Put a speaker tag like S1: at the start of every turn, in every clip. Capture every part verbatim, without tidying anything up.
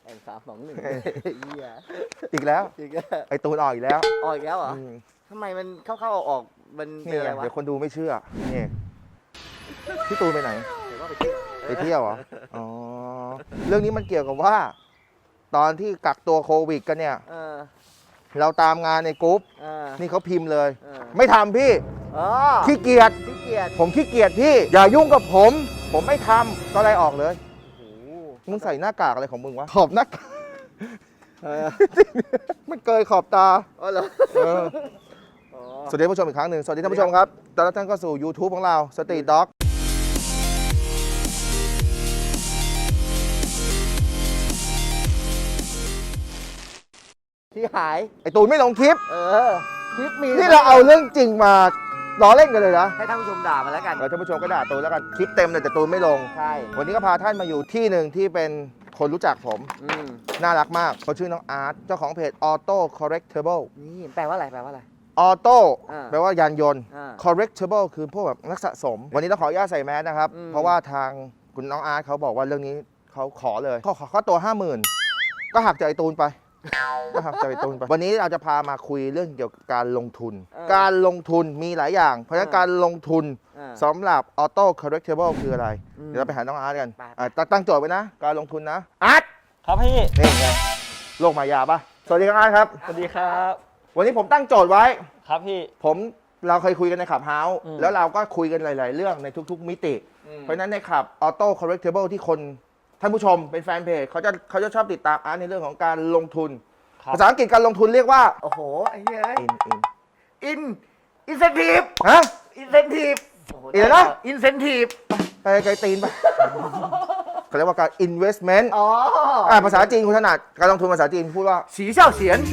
S1: แอนสามสองหนึ่ง
S2: อีกแล้ว
S1: อีกแล้ว
S2: ไอตูนออกอีกแล้ว
S1: ออกอีกแล้วเหรอทำไมมันเข้าๆออกๆมันเป็น
S2: นี่
S1: อะไร
S2: ไง
S1: วะ
S2: เดี๋ยวคนดูไม่เชื่อนี่พี่ตูนไปไหน
S1: เห็นว่าไปเที่ยว
S2: ไปเที่ยวเหรออ๋อเรื่องนี้มันเกี่ยวกับว่า ตอนที่กักตัวโควิดกันเนี่ย
S1: เออ
S2: เราตามงานในกรุ๊ป
S1: เออ
S2: นี่เขาพิมพ์เลย
S1: เออ
S2: ไม่ทำพี่
S1: อ๋อ
S2: ขี้เกียจ
S1: ขี้เกียจ
S2: ผมขี้เกียจพี่ อย่ายุ่งกับผม ผมไม่ทำก็ไล่ออกเลย
S1: โอ้โห
S2: มึงใส่หน้ากากอะไรของมึงวะ ขอบหน้ากาก
S1: เออ
S2: มันเกยขอบตา
S1: อ๋อเหรอ
S2: เออ
S1: อ๋อ
S2: สวัสดีท่านผู้ชมอีกครั้งหนึ่งสวัสดีท่านผู้ชมครับตอนรับท่านก็สู่ YouTube ของเรา Street Dog
S1: ที่หาย
S2: ไอตูนไม่ลงคลิป
S1: เออคลิปมี
S2: นี่เราเอาเรื่องจริงมาล้อเล่นกันเลยนะ
S1: ให้ท่านผู้ชมด่ามาแล้วกัน
S2: เออท่านผู้ชมก็ด่าตูนแล้วกัน คลิปเต็มเลยแต่ตูนไม่ลง
S1: ใช่
S2: วันนี้ก็พาท่านมาอยู่ที่หนึ่งที่เป็นคนรู้จักผม
S1: อืม
S2: น่ารักมากเขาชื่อน้องอาร์ตเจ้าของเพจ Auto Correctable
S1: นี่แปลว่าอะไรแปลว่าอะไร
S2: Auto
S1: อ่า
S2: แปลว่ายานยนต์
S1: อ่า
S2: Correctable คือพวกแบบนักสะสม วันนี้ต้องขออนุญาตใส่แมสนะครับ
S1: อืม
S2: เพราะว่าทางคุณน้องอาร์ตเขาบอกว่าเรื่องนี้เขาขอเลยเขาขอค่าตัว ห้าหมื่น ก็หักจากไอตูนไป ก็หักจากไอตูนไป วันนี้เราจะพามาคุยเรื่องเกี่ยวกับการลงทุน การลงทุนมีหลายอย่าง เพราะฉะนั้นการลงทุน
S1: อ่า
S2: สำหรับ Auto Correctable คืออะไร
S1: อืม
S2: เดี๋ยวเราไปหาน้องอาร์ตกัน
S1: ไป
S2: อ่ะตั้งตั้งโจทย์ไว้นะ การลงทุนนะ อาร์ต
S3: ครับพี่
S2: นี่ไงโลกมายาปะสวัสดีครับอาร์ตครับ
S3: สวัสดีครับ
S2: วันนี้ผมตั้งโจทย์ไว้
S3: ครับพี่
S2: ผมเราเคยคุยกันในขับเฮาส์
S3: อืม
S2: แล้วเราก็คุยกันหลาย ๆ เรื่องในทุก ๆ มิติ เพราะฉะนั้นในขับ Auto Correctable ที่คนท่านผู้ชมเป็นแฟนเพจเขาจะเขาจะชอบติดตามอาร์ตในเรื่องของการลงทุน
S3: ครับ
S2: ภาษาอังกฤษการลงทุนเรียกว่า
S1: โอ้โหไอ้เหี้ย
S2: in in
S1: อินอินเซนทีฟ
S2: ฮะ
S1: อินเซนทีฟ
S2: อีกแล้วนะ
S1: อินเซนทีฟ
S2: ไปไกลตีนไปเขาเรียกว่าการ investment
S1: อ๋อ
S2: อ่าภาษาจีนคุณถนัดการลงทุนภาษาจีนพูดว่า
S1: สีเช่าเฉียน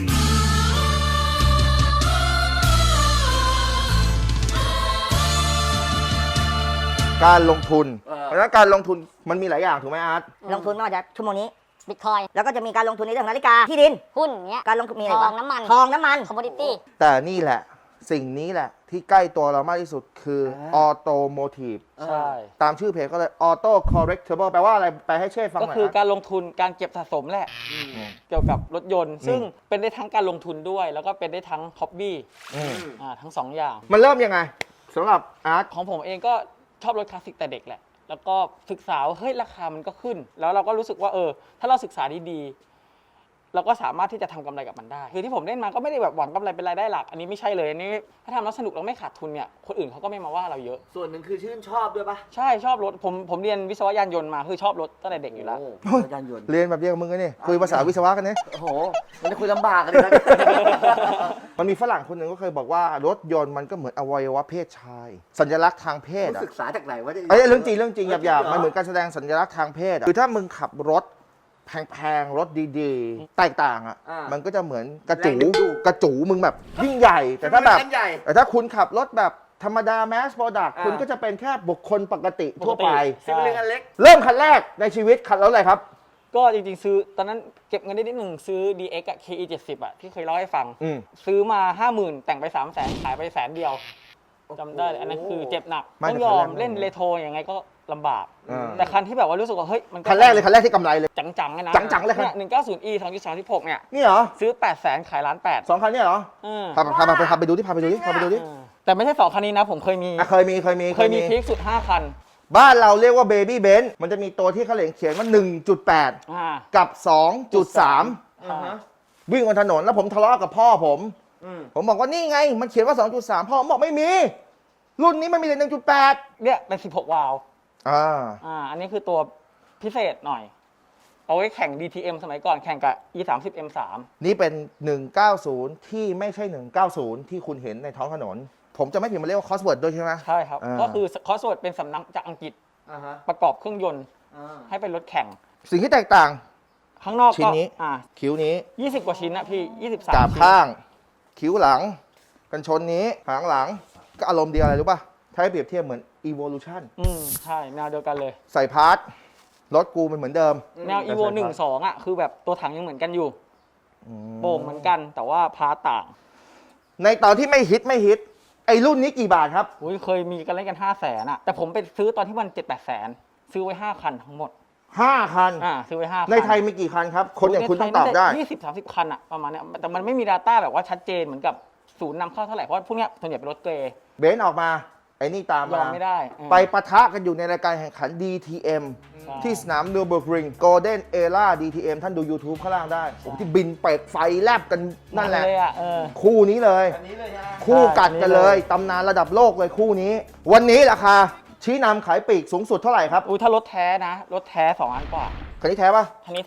S2: การลงทุน
S1: เออ
S2: เพราะฉะนั้นการลงทุนมันมีหลายอย่างถูกไหมอาร์ต
S4: ลงทุนไม่ว่าจะชั่วโมงนี้บิตคอยแล้วก็จะมีการลงทุนในเรื่องนาฬิกาที่ดิน
S5: หุ้นเงี้ย
S4: การลงทุนมีอะไร
S5: ท
S4: บ้า
S5: อง งน้ำมัน
S4: ทองน้ำมัน
S5: คอมมอดิตี้
S2: แต่นี่แหละสิ่งนี้แหละที่ใกล้ตัวเรามากที่สุดคือ automotive
S3: ใช่
S2: ตามชื่อเพจก็เลย auto correctable แปลว่าอะไรไปให้เช่ฟังห
S3: ก็
S2: น่อย
S3: คือ
S2: นะ
S3: การลงทุนการเก็บสะสมแหละ เกี่ยวกับรถยนต์ ซึ่งเป็นได้ทั้งการลงทุนด้วย แล้วก็เป็นได้ทั้งฮ็อบบี้
S2: อืม
S3: อ่าทั้งสองอย่าง
S2: มันเริ่มยังไงสำหรับอาร์ต
S3: ของผมเองก็ชอบรถคลาสสิกแต่เด็กแหละ แล้วก็ศึกษาว่าเฮ้ยราคามันก็ขึ้น แล้วเราก็รู้สึกว่าเออ ถ้าเราศึกษาดีๆเราก็สามารถที่จะทำกำไรกับมันได้ คือที่ผมเล่นมาก็ไม่ได้แบบหวังกำไรเป็นรายได้หลัก อันนี้ไม่ใช่เลยอันนี้ถ้าทำแล้วสนุกแล้วไม่ขาดทุนเนี่ย คนอื่นเขาก็ไม่มาว่าเราเยอะ
S1: ส่วนหนึ่งคือชื่นชอบด้วยปะ
S3: ใช่ชอบรถ ผมผมเรียนวิศวะยานยนต์มาคือชอบรถตั้งแต่เด็กอยู่แล้ว
S1: โอ้ยานยนต์
S2: เรียนแบบเดียวกับมึงกันนี่คุยภาษาวิศวะกันเนี่ย
S1: โอ้โห มันจะคุยลำบากกันเลยนะ
S2: มันมีฝรั่งคนหนึ่งก็เคยบอกว่ารถยนต์มันก็เหมือนอวัยวะเพศชาย สัญลักษณ์ทางเพศ
S1: รู้
S2: อะ
S1: ศึกษาจากไหนวะเนี่ย
S2: ไอ้ยเรื่องจริงเรื่องจริงหยาบๆมันเหมือนการแสดงสัญลักษณ์ทางเพศอะคือถ้ามึงขับรถแพงๆรถดีๆแตกต่างอะ
S1: อ่ามั
S2: มันก็จะเหมือนกระจู
S1: แรงดึงดูด
S2: กระจูมึงแบบยิ่งใหญ่ แต่ถ้าแบบ
S1: คันใหญ่
S2: แต่ถ้าคุณขับรถแบบธรรมดาแมสโปรดักต์
S1: อ่า
S2: คุณก็จะเป็นแค่บุคคลปกติทั่วไป
S3: ปกติ
S1: ซิมเล็กอันเล็ก
S2: เริ่มคันแรกในชีวิตคันแล้วอะไรครับ
S3: ก็จริงๆซื้อตอนนั้นเก็บเงินได้นิดหนึ่งซื้อ ดี เอ็กซ์ อะ เค อี เจ็ดสิบ อะที่เคยเล่าให้ฟัง
S2: อืม
S3: ซื้อมา ห้าหมื่น แต่งไป สามแสน ขายไปแสนเดียวจำได้เลยอันนั้นคือเจ็บหนัก
S2: ไม่
S3: ต้อง
S2: แต่
S3: ยอม
S2: คันแรก
S3: เล่นเรโทรยังไงก็ลำบาก
S2: อ่า
S3: แต่คันที่แบบว่ารู้สึกว่าเฮ้ยมัน
S2: คันแรกเลยคันแรกที่กำไรเลย
S3: จังๆเลยนะ
S2: จังๆเลยครับ
S3: หนึ่งเก้าศูนย์ อี สองจุดสามหกเนี่ย
S2: นี่เหรอ
S3: ซื้อ แปดแสน ขายล้านแปด
S2: สองคันเนี่ยเหรอ
S3: เออ
S2: พาพาพาพาไปดูที่พาไปดูที่พาไปดูที่
S3: เออแต่ไม่ใช่สองคันนี้นะ ผมเคยมี
S2: อ่ะเคยมีเคยมี
S3: เคยมีพีคสุด ห้า คัน
S2: บ้านเราเรียกว่าเบบี้เบนซ์มันจะมีตัวที่เขาเขียนว่า หนึ่งจุดแปด
S3: อ่า
S2: กับ สองจุดสาม
S1: อ่าฮะ
S2: วิ่งบนถนนแล้วผมทะเลาะกับพ่อผม
S1: อืม
S2: ผมบอกว่านี่ไง มันเขียนว่า สองจุดสาม พ่อผมบอกไม่มี รุ่นนี้มันมีแต่ หนึ่งจุดแปด
S3: เนี่ยเป็นสิบหกวาล์ว
S2: อ่า
S3: อ่า อันนี้คือตัวพิเศษหน่อย เอาไว้แข่ง ดี ที เอ็ม สมัยก่อนแข่งกับ อี สามสิบ เอ็ม สาม
S2: นี่เป็น หนึ่งเก้าศูนย์ ที่ไม่ใช่ หนึ่งเก้าศูนย์ ที่คุณเห็นในท้องถนน ผมจะไม่ผิดมันเรียกว่าคอสเวิร์ดด้วยใช่ไหม
S3: ใช่ครับ
S2: อ่า
S3: ก็คือคอสเวิร์ดเป็นสำนักจากอังกฤษ
S1: อ่าฮะ
S3: ประกอบเครื่องยนต์
S1: อ่า
S3: ให้เป็นรถแข่ง
S2: สิ่งที่แตกต่าง
S3: ข้างนอก
S2: ชิ้
S3: ก็
S2: นนี้
S3: อ่า
S2: คิ้วนี้
S3: ยี่สิบกว่าชิ้นนะพี่ยี่สิบสาม
S2: กาบข้าง คิ้วหลัง กันชนนี้หางหลัง ก็อารมณ์เดียวอะไรรู้ป่ะ ถ้าให้เปรียบเทียบเหมือน evolution
S3: อืมใช่แนวเดียวกันเลย
S2: ใส่พาร์ทรถกูมันเหมือนเดิม
S3: แนว evo หนึ่งสองอ่ะคือแบบตัวถังยังเหมือนกันอยู่โป่งเหมือนกันแต่ว่าพาร์ทต่าง
S2: ในตอนที่ไม่ฮิตไม่ฮิต ไอ้รุ่นนี้กี่บาทครับ
S3: อุ้ยเคยมีกันเล่นกันห้าแสนอ่ะแต่ผมไปซื้อตอนที่มันเจ็ดแปดแสนซื้อไว้ห้าคันทั้งหมด
S2: ห้าคัน
S3: อ่าซื้อไว้ห้าคัน
S2: ในไทยมีกี่คันครับ คนอย่างคุณต้องตอบได้
S3: ยี่สิบสามสิบคันอะประมาณเนี้ยแต่มันไม่มี Data แบบว่าชัดเจนเหมือนกับศูนย์นำเข้าเท่าไหร่เพราะพวกเนี้ยส่วนใหญ่เป็นรถเกรย์
S2: เบนซ์ออกมาไอ้นี่ตาม
S3: ยอ
S2: มา
S3: มไม่ได้เออ
S2: ไปปะทะกันอยู่ในรายการแข่งขัน ดี ที เอ็ม
S3: ใช่
S2: ที่สนามนูเบิร์กริงโกลเด้นเอล่า ดี ที เอ็ม ท่านดู YouTube ข้างล่างได้โอ้โหที่บินเปกไฟแลบกันนั่นแหละ
S3: เลยอะเออ
S2: คู่นี้เลย
S1: อันนี้เลยใช่ไหม
S2: คู่กัดกันเลย
S3: ใช่
S2: ตำนานระดับโลกเลยคู่นี้ วันนี้ราคาชี้นำขายปลีกสูงสุดเท่าไหร่ครับ
S3: อุ้ยถ้ารถแท้นะ รถแท้สองล้านกว่า
S2: คันนี้แท้ป่ะ
S3: คันนี้แท้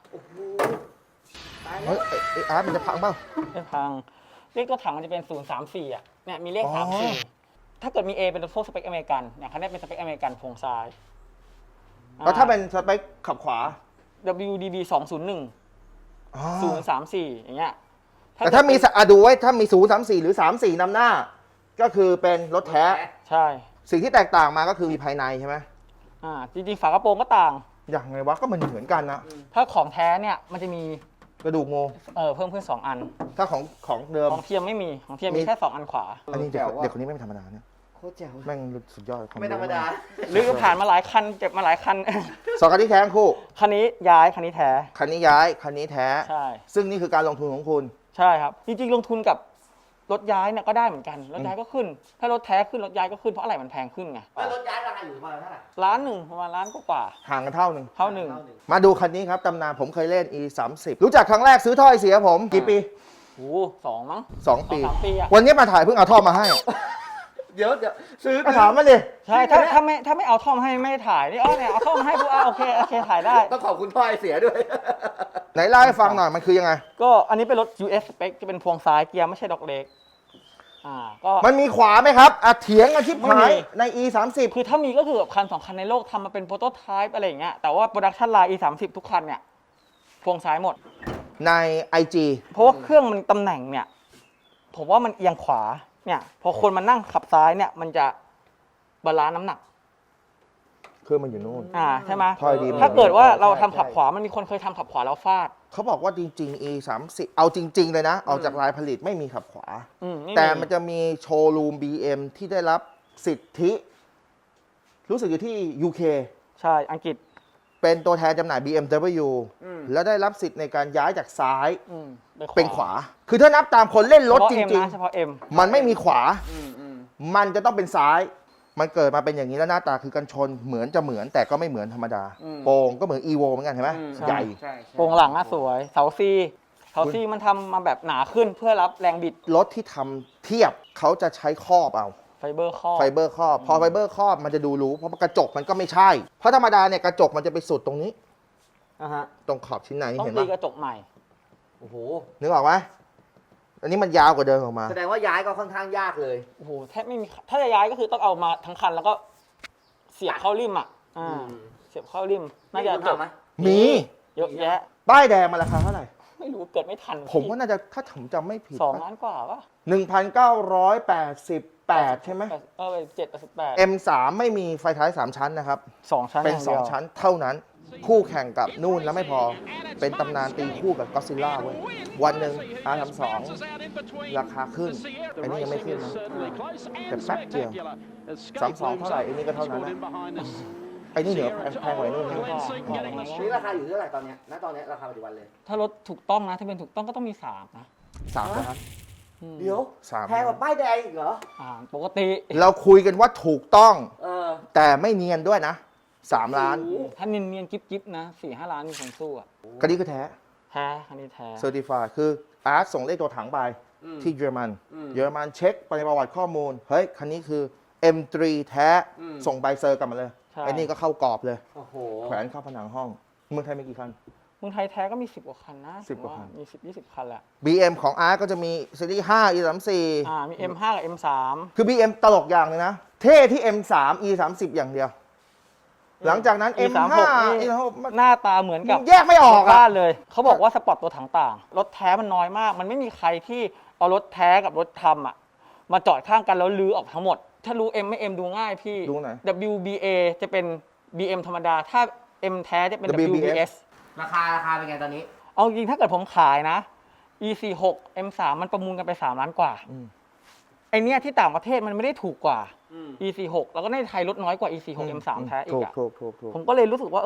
S2: เฮ้ยไอ้ไอ้อาร์ตมันจะพังเปล่า
S3: ไม่พังเลขตัวถังมันจะเป็นศูนย์สามสี่อ่ะเนี่ยมีเลข
S2: อ๋อ
S3: สามสี่ถ้าเกิดมี A เป็นพวกสเปคอเมริกันอย่างคันนี้เป็นสเปคอเมริกันโครงซ้าย
S2: แล้วถ้าเป็นสเปคขับขวา
S3: อ่า ดับเบิลยู ดี บี สองศูนย์หนึ่ง
S2: อ๋อ
S3: ศูนย์สามสี่อย่างเงี้ย
S2: แต่ถ้ามีสะอ่ะดูไว้ถ้ามีศูนย์สามสี่หรือสามสี่นำหน้า ก็คือเป็นรถแท้
S3: ใช่
S2: สิ่งที่แตกต่างมาก็คือมีภายในใช่ไหม
S3: อ่าจริงๆฝากระโปรงก็ต่าง
S2: อย่างไงวะก็มันเหมือนกันนะ
S3: ถ้าของแท้เนี่ยมันจะมี
S2: กระดูกโม
S3: เออเพิ่มขึ้นสองอัน
S2: ถ้าของของเดิม
S3: ของเทียมไม่มีของเทียม
S2: มี
S3: มีแค่สองอันขวา
S2: อันนี้เด็กเด็กคนนี้ไม่ธรรมดาเนี่ย
S1: โคตรแจ๋ว
S2: แม่งสุดยอดคว
S1: ไม่ธรรมดา
S3: หรือผ่านมาหลายคันเจ็บมาหลายคัน
S2: สองคันที่แท้ทั้งคู่
S3: คันนี้ย้ายคันนี้แท้
S2: คันนี้ย้ายคันนี้แท้
S3: ใช่
S2: ซึ่งนี่คือการลงทุนของคุณ
S3: ใช่ครับ จริงๆ ลงทุนกับรถย้ายเนี่ยก็ได้เหมือนกัน รถย้ายก็ขึ้น ถ้ารถแท้ขึ้นรถย้ายก็ขึ้นเพราะอะไรมันแพงขึ้นไง
S1: แล้วรถย้ายราคาอยู่ประมาณเท่าไหร่
S3: ล้านหนึ่งประมาณล้านกว่า
S2: ห่างกันเท่าหนึ่ง
S3: ๆเท่าหนึ่ง
S1: เท่าหนึ่ง
S2: มาดูคันนี้ครับตำนานผมเคยเล่น อี สามสิบ รู้จักครั้งแรกซื้อท่อไอเสียผม กี่ปี
S3: โอ้โหสองมั้ง
S2: สองปี
S3: สองสามปีอะ
S2: วันนี้มาถ่ายเพิ่งเอาท่อมาให้
S1: เดี๋ยวเดี๋ยวซื้อ
S2: ก็ถามมันดิ
S3: ใช่ถ้าถ้าไม่ถ้าไม่เอาท่อมาให้ไม่ได้ถ่ายนี่อ๋อเนี่ยเอาท่อมาให้ปุ๊บอ่ะโอเคโอเคถ่ายได้
S1: ต้องขอบคุณพ่อไอเสียด้วย
S2: ไหนเล่าให้ฟังหน่อยมันคือยังไง
S3: ก็อันนี้เป็นรถ ยู เอส spec จะเป็นพวงซ้ายเกียร์ไม่ใช่ดอกเล็กอ่าก็
S2: มันมีขวาไหมครับอ่ะเถียงกันชิบ
S3: ไม่
S2: หา
S3: มี
S2: ยใน อี สามสิบ
S3: คือถ้ามีก็คือแบบคันสองคันในโลกทำมาเป็นโปรโตไทป์อะไรอย่างเงี้ยแต่ว่าโปรดักชันไลน์ อี สามสิบ ทุกคันเนี่ยพวงซ้ายหมด
S2: ใน ไอ จี
S3: เพราะว่าเครื่องมันตำแหน่งเนี่ยผมว่ามันเอียงขวาเนี่ยพอคนมานั่งขับซ้ายเนี่ยมันจะบาลานซ์น้ำหนัก
S2: เครื่องมันอยู่นู่น
S3: อ่าใช่ไหม
S2: ถอยดี
S3: ถ้าเกิดว่าเรา
S1: ใช่
S3: ทำขับขวามันมีคนเคยทำขับขวาแล้วฟาด
S2: เขาบอกว่าจริงๆ อี สามสิบ เอาจริง ๆ เลยนะ เอาจากรายผลิตไม่มีขับขวา
S3: อืม
S2: แต่มันจะมีโชว์รูม บี เอ็ม ที่ได้รับสิทธิ รู้สึกอยู่ที่ ยู เค
S3: ใช่อังกฤษ
S2: เป็นตัวแทนจำหน่าย บี เอ็ม ดับเบิลยู
S1: อืม
S2: แล้วได้รับสิทธิ์ในการย้ายจากซ้าย
S3: อืม
S2: เป็นขวา คือถ้านับตามคนเล่นรถจ
S3: เฉพาะ M
S2: ริง
S3: นะเฉพาะ M
S2: ๆ มันไม่มีขวา
S1: อืมอืม
S2: มันจะต้องเป็นซ้าย มันเกิดมาเป็นอย่างนี้แล้วหน้าตาคือกันชนเหมือนจะเหมือนแต่ก็ไม่เหมือนธรรมดา
S1: อืม
S2: โป่งก็เหมือน อี โว เหมือนกันเห็นไหม
S1: อืม
S2: ใหญ่
S1: ใช่ใช่
S3: โปรงหลังอะสวยเสาซีเสาซีมันทำมาแบบหนาขึ้นเพื่อรับแรงบิด
S2: รถที่ทำเทียบเขาจะใช้ครอบเอา
S3: ไฟเบอร์ข้อ
S2: ไฟเบอร์ครอบ พอไฟเบอร์ครอบมันจะดูรู้ เพราะกระจกมันก็ไม่ใช่ เพราะธรรมดาเนี่ยกระจกมันจะไปสุดตรงนี้
S1: อ่ะฮะ
S2: ตรงขอบชิ้นใน
S3: ต้อง
S2: เห็น
S3: ตี
S2: ปะ
S3: กระจกใหม่
S1: โอ้โห
S2: นึกออกไหมอันนี้มันยาวกว่าเดิมออกมา
S1: แสดงว่าย้ายก็ค่อนข้างยากเลย
S3: โอ้โหแทบไม่มีถ้าจะย้ายก็คือต้องเอามาทั้งคันแล้วก็เสียบเข้าริมอ่ะอ่า
S1: อืม
S3: เสียบเข้าริมน่าจะ
S1: คุณ
S3: จบ
S1: ทำไหม
S2: มี
S3: เยอะแยะ
S2: ป้ายแดงมันราคาเท่าไหร่
S3: ไม่รู้เกิดไม่ทัน
S2: ผมว่าน่าจะถ้าผมจำไม่ผิด
S3: สองล้านกว่าปะ
S2: หนึ่งพันเก้าร้อยแปดสิบแปดใช่ไหม
S3: เออไปเจ็ดสิบแปด
S2: เอ็ม สาม ไม่มีไฟท้ายสามชั้นนะครับ
S3: สองชั้น
S2: เป็น
S3: ย่า
S2: สอง
S3: ดียว
S2: ชั้นเท่านั้น คู่แข่งกับนู่นแล้วไม่พอ เป็นตำนานตีคู่กับก็ซิลล่าเว้ย วันหนึ่ง อาร์ สามสิบสอง ราคาขึ้นไอ้นี่ยังไม่ขึ้นนะแต่แป๊บเดียว สามสิบสอง เท่าไหร่ไอ้นี่ก็เท่านั้นนะไอ้นี่เหนือแพงกว่าไอ้นู่นนะ
S1: นี่ราคาอยู่เท่าไหร่ตอนเนี้ยณตอนเนี้ยราคาปัจจุบันเลย
S3: ถ้ารถถูกต้องนะถ้าเป็นถูกต้องก็ต้องมีสามนะ
S2: สามนะครับ
S3: อืม
S1: เดี๋ยว
S2: สาม
S1: แพงกว่าป้ายแดงอีกเหรอ
S3: อ่าปกติ
S2: เราคุยกันว่าถูกต้อง
S1: เออ
S2: แต่ไม่เนียนด้วยนะสามล้าน
S1: โอ้โห
S3: ถ้าเนียนๆกิ๊บๆนะสี่ห้าล้านมีคนสู้อ่ะ
S2: คันนี้คือแท้
S3: แท้คันนี้แท้
S2: เซอร์ติฟายคืออาร์ตส่งเลขตัวถังไป
S1: อืม
S2: ที่เยอรมัน
S1: อืม
S2: เยอรมันเช็คไปในประวัติข้อมูล เฮ้ย คันนี้คือ เอ็ม ทรี แท้
S1: อืม
S2: ส่งใบเซอร์กลับมาเลย
S3: ใช่
S2: ไอ้นี่ก็เข้ากรอบเลย
S1: โอ้โห
S2: แขวนเข้าผนังห้อง เมืองไทยมีกี่คัน
S3: เมืองไทยแท้ก็มีสิบกว่าคันนะ
S2: สิบกว่าคัน
S3: มีสิบยี่สิบคันแหละ
S2: บี เอ็ม ของอาร์ตก็จะมีซีรีส์ห้า อี สามสิบสี่
S3: อ่ามี เอ็ม ห้า กับ เอ็ม สาม
S2: คือ บี เอ็ม ตลกอย่างเลยนะ เท่ที่ เอ็ม สาม อี สามสิบ อย่างเดียว หลังจากนั้น เอ็ม ห้า
S3: นี่
S2: อี สามสิบหกมัน
S3: หน้าตาเหมือนกับ
S2: แยกไม่ออก
S3: บ้า
S2: อะ
S3: นเลย เขาบอกว่าสปอร์ตตัวถังต่าง รถแท้มันน้อยมาก มันไม่มีใครที่เอารถแท้กับรถทำอ่ะ มาจอดข้างกันแล้วลื้อออกทั้งหมด ถ้ารู้ M ไม่ M ดูง่ายพี่
S2: ดูไหน
S3: ดับเบิลยู บี เอ จะเป็น บี เอ็ม ธรรมดา ถ้า M แท้จะเป็น ดับเบิลยู บี เอส
S1: ราคาราคาเป็นไงตอนนี้
S3: เอาจริงถ้าเกิดผมขายนะ อี สี่สิบหก เอ็ม สาม มันประมูลกันไปสามล้านกว่า
S2: อืม
S3: ไอเนี้ยที่ต่างประเทศมันไม่ได้ถูกกว่า
S1: อืม
S3: อี สี่สิบหก แล้วก็ในไทยลดน้อยกว่า อี สี่สิบหก เอ็ม สาม แท้อี
S2: ถู
S3: ก
S2: ก
S3: อะ
S2: ถูกถูกถูก
S3: ผมก็เลยรู้สึกว่าเอย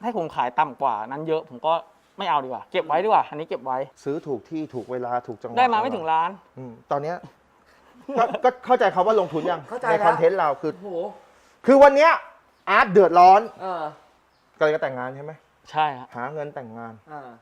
S3: ให้ผมขายต่ำกว่านั้นเยอะผมก็ไม่เอาดีกว่าเก็บไว้ดีกว่าอันนี้เก็บไว้
S2: ซื้อถูกที่ถูกเวลาถูกจังหวะ
S3: ได้มาไม่ถึงล้าน
S2: อืมตอนเนี้ยก็ก็เข้าใจคำว่าลงทุนยัง
S1: เข้าใจ
S2: ใน
S1: แล้ว
S2: คอนเทนต์เราคือ
S1: โอ้โห
S2: คือวันเนี้ยอาร์ตเดือดร้อน
S1: เออ
S2: ก็เลยจะแต่งงานใช่ไหม
S3: ใช่ฮะ
S2: หาเงินแต่งงาน
S1: อ่าก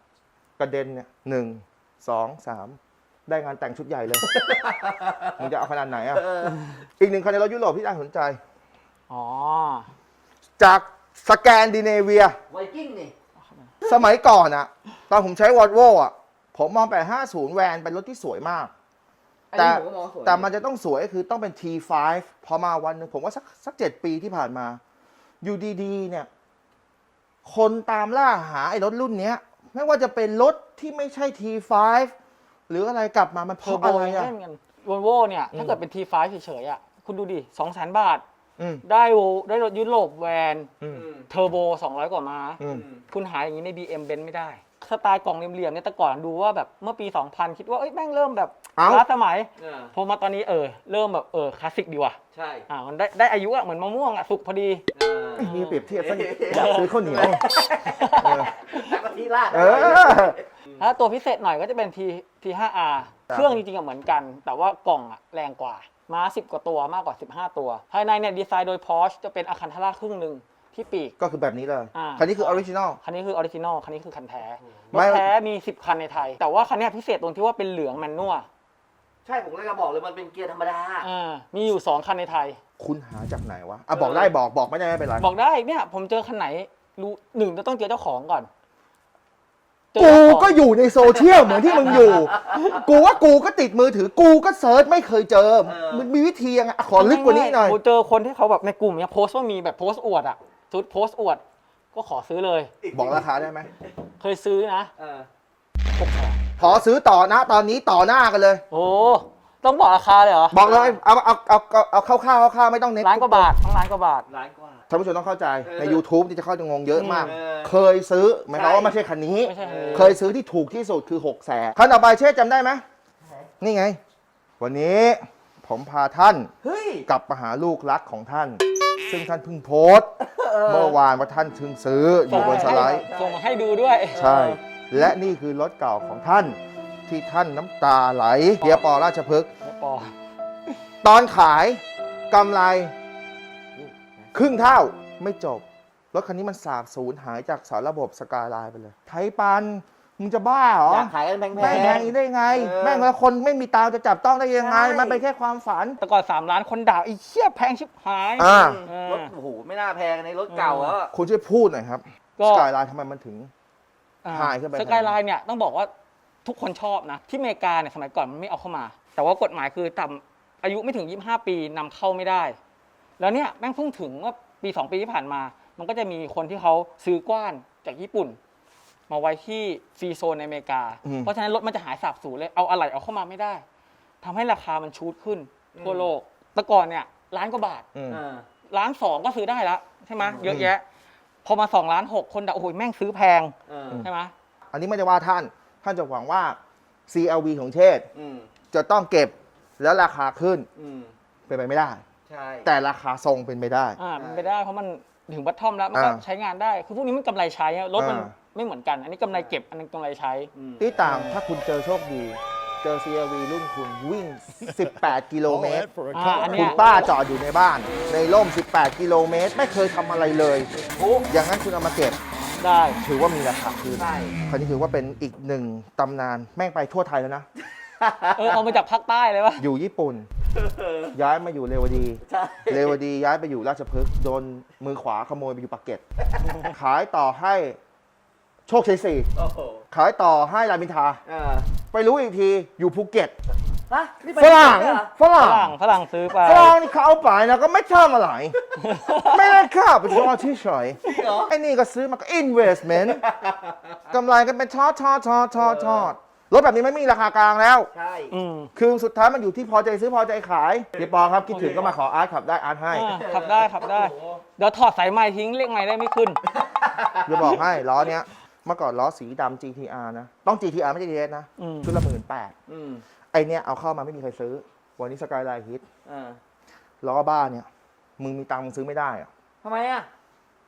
S2: ระเด็นเนี่ยหนึ่งสองสามได้งานแต่งชุดใหญ่เลย มึงจะเอาขนาดไหนอ่ะ
S1: เออ
S2: อีกหนึ่งคันในรถยุโรปที่น่าสนใจ
S3: อ๋อ
S2: จากสแกนดิเนเวีย
S1: ไวกิ้งนี่
S2: สมัยก่อนอะตอนผมใช้วอลโว่อะผมมองแปดห้าศูนย์แวนเป็นรถที่สวยมาก
S1: อัน
S2: แต่
S1: นี้ผมก็มองสวย
S2: แต่มันจะต้องสวยคือต้องเป็น ที ไฟว์ พอมาวันหนึ่งผมว่าสักสักเจ็ดปีที่ผ่านมา อยู่ดีๆเนี่ย คนตามล่าหาไอ้รถรุ่นเนี้ย ไม่ว่าจะเป็นรถที่ไม่ใช่ ที ไฟว์ หรืออะไรกลับมามันเพ
S3: เทอ
S2: ราะ
S3: ร์โบ
S2: อะไรอะ
S3: ได้เหมือนกันวอลโว่เนี่ย ถ้าเกิดเป็น ที ไฟว์ เฉยๆอ่ะคุณดูดิสองแสนบาท
S2: อืม
S3: ได้โวได้รถยุโรปแวน
S2: อืม
S1: อืม
S3: เทอร์โบสองร้อยกว่าม้า
S2: อืม
S3: คุณหาอย่างนี้ใน บี เอ็ม Benz ไม่ได้ สไตล์กล่องเหลี่ยมๆเนี่ยแต่ก่อนดูว่าแบบเมื่อปี สองพัน คิดว่าเอ้ยแม่งเริ่มแบบ
S2: เอ้า
S3: ล้าสมัย
S1: เออ
S3: พอมาตอนนี้เออเริ่มแบบเออคลาสสิกดีว่ะ
S1: ใช่
S3: อ่ามันได้ได้อายุอะเหมือนมะม่วงอะสุกพอดี
S1: เออ
S2: มีเปรียบเทียบซะอยากซื้อข้าวเหนียว เออ
S1: แล้วก็ที่ราด
S2: เออ
S3: ถ้าตัวพิเศษหน่อยก็จะเป็น T ที ไฟว์ อาร์
S2: ครับ
S3: เครื่องจริงๆอะเหมือนกัน แต่ว่ากล่องอะแรงกว่า ม้าสิบกว่าตัวมากกว่าสิบห้าตัว ภายในเนี่ยดีไซน์โดย Porsche จะเป็นอาคันทาร่าครึ่งหนึ่งที่ปีก
S2: ก็คือแบบนี้เลย
S3: อ่า
S2: คันนี้คือออริจินอล
S3: คันนี้คือออริจินอล คันนี้คือคันแท้ ร
S2: ไม่
S3: ถแท้มีสิบคันในไทย แต่ว่าคันเนี้ยพิเศษตรงที่ว่าเป็นเหลืองแมนนวล
S1: ใช่ผมเลยจะบอกเลยมันเป็นเกียร์ธรรมดา
S3: อ่ามีอยู่สองคันในไทย
S2: คุณหาจากไหนวะอ่ะบอกได้บอกบอกไม่ได้ไม่เป็นไร
S3: บอกได้เนี่ยผมเจอคันไหนรู้หนึ่งจะต้องเจอเจ้าของก่อนเจอ
S2: กู
S3: เจ้าของ
S2: ก็อยู่ในโซเชียลเหมือนที่มึงอยู่ กูว่ากูก็ติดมือถือ กูก็เซิร์ชไม่เคยเจอ
S1: เออ
S2: มันมีวิธียังไงอ่ะขอลึกกว่านี้หน่อย
S3: โเจอคนที่เขาแบบในกลุ่มเนี้ยโพสต์ว่ามีแบบโพสต์อวดอะชุดโพสต์อวด ก็ขอซื้อเลย
S2: บอกราคาได้ไหม
S3: เคยซื้อนะ
S1: เออ
S3: หกแสน
S2: ขอซื้อต่อนะ ตอนนี้ต่อหน้ากันเลย
S3: โอ้ต้องบอกราคาเลยเหรอ
S2: บอกเลย เอาเอาเอาเอาเอาคร่าวๆคร่าวๆไม่ต้องเน็ต
S3: ล้านกว่าบาทต้องล้านกว่าบาท
S1: ล้านกว่า
S2: ท่านผู้ชมต้องเข้าใจ
S1: เออ
S2: ใน YouTube ที่จะเข้าจะงงเยอะมาก
S1: เออ
S2: เคยซื้อหมายความว่าไม่ใช่คันนี้
S3: ไม่ใช่คันนี้
S2: เคยซื้อที่ถูกที่สุดคือหกแสนคันต่อไปเช่จำได้ไหมนี่ไง วันนี้ผมพาท่าน
S1: เฮ้ย
S2: กลับมาหาลูกรักของท่าน ซึ่งท่านเพิ่งโพสต์ เมื่อวานว่าท่านเพิ่งซื้ออยู่บนสไลด์
S3: ส่งมาให้ดูด้วย
S2: ใช่ และนี่คือรถเก่าของท่าน ที่ท่านน้ำตาไหลเฮียปอราชพฤกษ์
S3: ไม่ปอ
S2: ตอนขายกำไรครึ่งเท่าไม่จบ รถคันนี้มันสาบสูญหายจากสารระบบสกายไลน์ไปเลย ไทยปัน มึงจะบ้าเหรอ
S1: อยากขายกันแพงๆ
S2: แม่งแพงอย่างนี้ได้ไง
S1: เออ
S2: แม่งแล้วคนไม่มีตาจะจับต้องได้ยังไง
S1: ใช่
S2: มันเป็นแค่ความฝัน
S3: แต่ก่อนสามล้านคนด่าไอ้เชี่ยแพงชิบหาย
S2: อ่า
S3: เออ
S1: รถโอ้โหไม่น่าแพงในรถเก่าแล้วอะ
S2: คุณช่วยพูดหน่อยครับ
S3: ก็
S2: สกายไลน์ทำไมมันถึง หายขึ้นไป
S3: สกายไลน์เนี่ยต้องบอกว่าทุกคนชอบนะ ที่อเมริกาเนี่ยสมัยก่อนมันไม่เอาเข้ามา แต่ว่ากฎหมายคือต่ำอายุไม่ถึงยี่สิบห้าปีนำเข้าไม่ได้ แล้วเนี่ยแม่งเพิ่งถึงว่าปีสองปีที่ผ่านมา มันก็จะมีคนที่เขาซื้อกว้านจากญี่ปุ่น มาไว้ที่ฟรีโซนในอเมริกา
S2: อืม
S3: เพราะฉะนั้นรถมันจะหายสาบสูญเลยเอาอะไหล่เอาเข้ามาไม่ได้ทำให้ราคามันชูดขึ้นทั่วโลกแต่ก่อนเนี่ยล้านกว่าบาท
S2: อืม
S1: เออ
S3: ล้านสองก็ซื้อได้แล้วใช่ไหมเยอะแยะ พอมาสองล้านหกคนด่าโอ้โหแม่งซื้อแพง
S1: เออ
S3: ใช่ไหม
S2: อันนี้ไม่ได้ว่าท่าน ท่านจะหวังว่า ซี แอล วี ของเชษฐ์
S1: อืม
S2: จะต้องเก็บแล้วราคาขึ้น
S1: อืม
S2: เป็นไปไม่ได้
S1: ใช่
S2: แต่ราคาทรงเป็นไปได้
S3: อ่ามันไปได้เพราะมันถึงบัตทอมแล้วมันก็
S2: อ่า
S3: ใช้งานได้ คือพวกนี้มันกำไรใช้อะรถมัน
S2: อ่า
S3: ไม่เหมือนกัน อันนี้กำไรเก็บอันนึงกำไรใช้
S1: อืม
S2: ที่ต่างถ้าคุณเจอโชคดี เจอ ซี แอล วี รุ่นคุณวิ่ง สิบแปด กิโลเมตร
S3: อ่าอัน
S2: คุ
S3: เนี้
S2: ณ
S3: ย
S2: ป้าจอดอยู่ในบ้าน ในร่ม สิบแปด กิโลเมตร ไม่เคยทำอะไรเลย อย่างนั้นคุณเอามาเก็บ
S3: ได้
S2: ถือว่ามีราคาขึ้น
S1: ใช่
S2: คันนี้ถือว่าเป็นอีกหนึ่งตำนาน แม่งไปทั่วไทยแล้วนะ
S3: เออเอามาจากภาคใต้เลยวะ
S2: อยู่ญี่ปุ่น ย้ายมาอยู่เรวดี
S1: ใช่
S2: เรวดีย้ายไปอยู่ราชพฤกษ์โดนมือขวาขโมยไปอยู่ปากเกร็ด ขายต่อให้โชคชัยสี่
S1: โอ้โห
S2: ขายต่อให้รามอินทรา
S1: เออ
S2: ไปรู้อีกทีอยู่ภูเก็ต
S1: ฮะนี่ไป
S2: ฝรั่ง
S1: ญี่ปุ่นด้วยเหรอ
S2: ฝรั่
S3: ฝ
S2: ง
S3: รั่งฝรั่งซื้อไป
S2: ฝรั่งนี่เขาเอาไปนะก็ไม่ทำอะไร ไม่ได้ค่าไปชอที่เฉย
S1: เหรอ
S2: ไอ้นี่ก็ซื้อมาก็ investment กำไรกันเป็นทอดทอดทอดทอดทอดรถแบบนี้ไม่มีราคากลางแล้ว
S1: ใช่
S3: อืม
S2: คือสุดท้ายมันอยู่ที่พอใจซื้อพอใจขายพี่ปอครับคิดถึงก็มาขออาร์ตขับได้อาร์ตให้
S3: อ่าขับได้ขับได้ เดี๋ยวถอดสายไม้ทิ้งเรียกไม้ได้ไม่ขึ้น
S2: จะบอกให้ล้อเนี้ยเมื่อก่อนล้อสีดำ จี ที อาร์ นะ ต้อง จี ที อาร์ ไม่ใช่ ที เอส นะ
S3: อืม
S2: ชุดละหมื่นแปด
S1: อืม
S2: ไอเนี้ยเอาเข้ามาไม่มีใครซื้อ วันนี้สกายไลน์ฮิต
S1: เออ
S2: ล้อบ้าเนี่ย มึงมีตังค์มึงซื้อไม่ได้อะ
S1: ทำไมอ่ะ